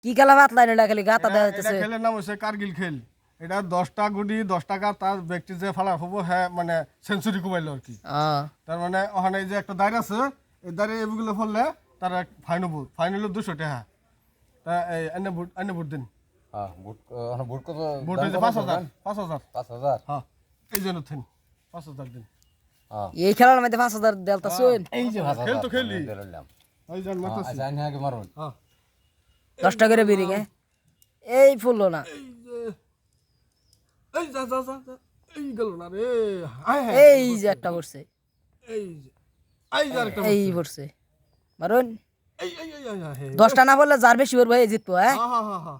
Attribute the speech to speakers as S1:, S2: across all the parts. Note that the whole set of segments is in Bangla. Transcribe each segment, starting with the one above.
S1: কি খেলা পাতলা না খালি গাতা দেওয়া
S2: এটা
S1: যাচ্ছে
S2: খেলের নাম হচ্ছে কার্গিল খেল। এটা 10টা গুটি 10 টাকা তার ব্যক্তি যে ফালা হবো হ্যাঁ মানে সেঞ্চুরি কুমাইলো আর কি। তার মানে ওখানে যে একটা দাঁড় আছে এই দাঁড়ে এগুলো ফললে তার ফাইন হবো, ফাইন হলো 200 টাকা। তা এই এনে ভোট দিন।
S3: হ্যাঁ ভোট কত?
S2: ভোট হয়েছে 5,000 5,000।
S3: 5,000।
S2: হ্যাঁ এই জন্য থিন 5,000 দিন।
S1: এই খেলার মধ্যে 5,000 দেলতা শুন
S3: এই যে 5,000
S2: খেল তো খেলি
S3: দিলাম।
S2: ওই জান মাতাছি।
S3: আচ্ছা আইন আগে মারুন।
S2: হ্যাঁ
S1: 10 টাকা করে বিরিং এই ফুললো না
S2: এই যে এই যা যা যা যা, এই গেল না রে। হায় হায়
S1: এই যে একটা পড়ছে
S2: এই যে এই যে আরেকটা
S1: এই পড়ছে মারুন
S2: এই এই এই এই, এই, এই।
S1: 10টা না বললে যার বেশি পড়বে এই জিতবো হ্যাঁ
S2: হ্যাঁ হ্যাঁ হ্যাঁ হ্যাঁ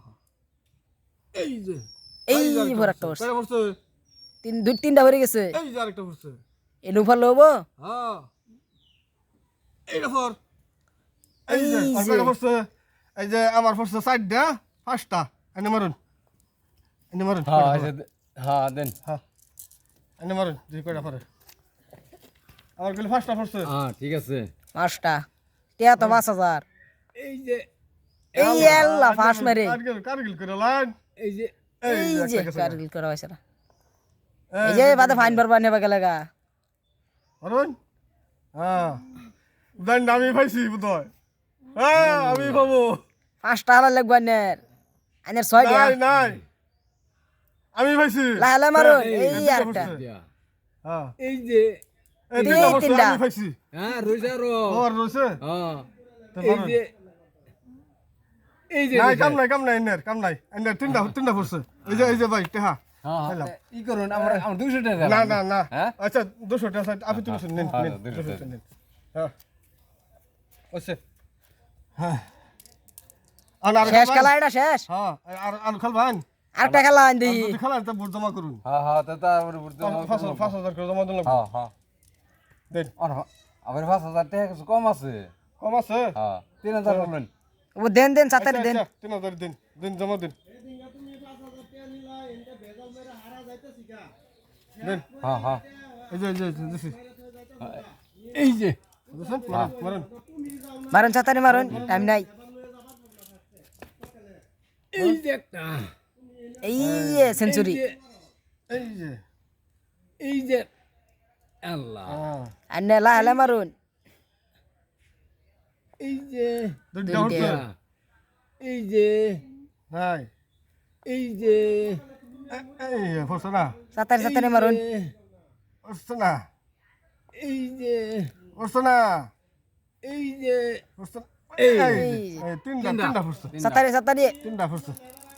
S2: এই যে
S1: এই
S2: যে আরেকটা
S1: ভর একটা পড়ছে
S2: কয়টা পড়ছে?
S1: তিনটা ভরে গেছে
S2: এই যে আরেকটা পড়ছে।
S1: এই নুফার লবো
S2: হ্যাঁ এইটা পর
S1: এই
S2: এই যে আর
S1: যে
S2: কয়টা পড়ছে? এই যে আমার পড়ছে 4টা 5টা এনে মারুন এনে মারুন
S3: হ্যাঁ এই যে হ্যাঁ দেন।
S2: হ্যাঁ এনে মারুন দুই কয়টা পরে আমার গুলো 5টা পড়ছে।
S3: হ্যাঁ ঠিক আছে।
S1: 5টা টিয়া তো 5,000
S3: এই যে
S1: এই আল্লাহ ফাঁস মেরে
S2: কারগিল করে লাইন
S3: এই যে
S1: এই যে
S2: একটা গেছে।
S1: কারগিল করা হয়েছে না এই যে বাদে ফাইন ভরবা নেবা গেলেগা
S2: মারুন হ্যাঁ দেন আমি পাইছি বুঝয়। হ্যাঁ আমি পাবো
S1: 5টা হালা লাগবা নের আইনের 6টা
S2: নাই নাই আমি পাইছি
S1: লালা মারুন এই
S2: দুইটা
S1: একটা
S2: পড়ছে।
S3: দিয়া।
S2: হ্যাঁ
S3: এই যে
S2: এই দুইটা পড়ছে,
S1: তিনটা।
S2: আমি পাইছি।
S3: হ্যাঁ রইজারো।
S2: ওর রয়েছে
S3: হ্যাঁ
S2: তো
S3: এই
S2: মারুন।
S3: যে এই যে
S2: নাই কাম নাই এনের তিনটা পড়ছে। এই যে ভাই টেহা
S3: হ্যাঁ
S2: পেলাম।
S3: ই করুন আমার 200 টাকা
S2: না না না
S3: হ্যাঁ
S2: আচ্ছা 200 টাকা আপনি 200 নিন
S3: হ্যাঁ,
S2: নিন
S3: 200
S2: 200 নিন হ্যাঁ ওছে হ্যাঁ আর
S1: শেষ খেলা এটা শেষ
S2: হ্যাঁ আর খেলবেন
S1: আরেকটা খেলা আইন দেখি
S2: যদি খেলেন তো ভোট জমা করুন।
S3: হ্যাঁ হ্যাঁ তা তারপরে বুঝতে
S2: 5,000 করে জমা দিন
S3: হ্যাঁ হ্যাঁ
S2: দেন
S3: আমার 5,000 টাকা কিছু কম আছে।
S2: কম আছে
S3: হ্যাঁ 3,000 বলবেন।
S1: ও দেন সাতারি দেন
S2: 3,000 দিন দিন জমা দিন দেন
S3: হ্যাঁ হ্যাঁ
S2: এই যে দিছি
S3: এই যে
S2: বুঝছেন মারুন মারুন
S1: মারুন সাতারি মারুন টাইম নাই
S3: এই যে একটা
S1: এই যে সেঞ্চুরি
S3: এই যে আল্লাহ
S2: হ্যাঁ
S1: আন্নে লালা মারুন
S3: এই যে
S2: দুইটা হচ্ছে
S3: এই যে
S2: নাই
S3: এই যে
S2: এই হচ্ছে না
S1: সাতারি মারুন
S2: হচ্ছে না
S3: এই যে
S2: হচ্ছে না
S3: এই যে
S2: হচ্ছে না।
S3: এই
S2: এই তিনটা হচ্ছে
S1: সাতারি
S2: তিনটা হচ্ছে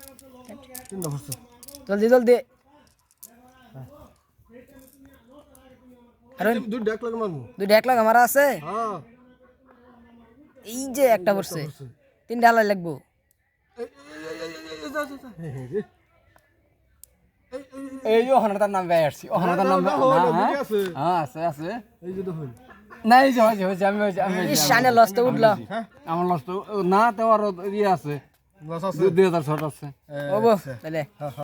S1: জলদি কারণ
S2: দুইটা এক লাগে মারমু
S1: দুইটা এক লাখ আমার আছে
S2: হ্যাঁ
S1: এই যে একটা পড়ছে 3টা হালা লাগবো
S3: এই ওখানে তার নাম বেয়ে আসছি ওখানে তার নাম হ্যাঁ আছে আছে
S2: এই যে দেখুন
S3: না এই যে হয়েছে আমি
S1: শানে লস্তে উঠলো
S2: হ্যাঁ
S3: আমার লস তো না তো আরো ইয়ে আছে
S2: লস আছে
S3: 2006 আছে
S1: ওবো তাহলে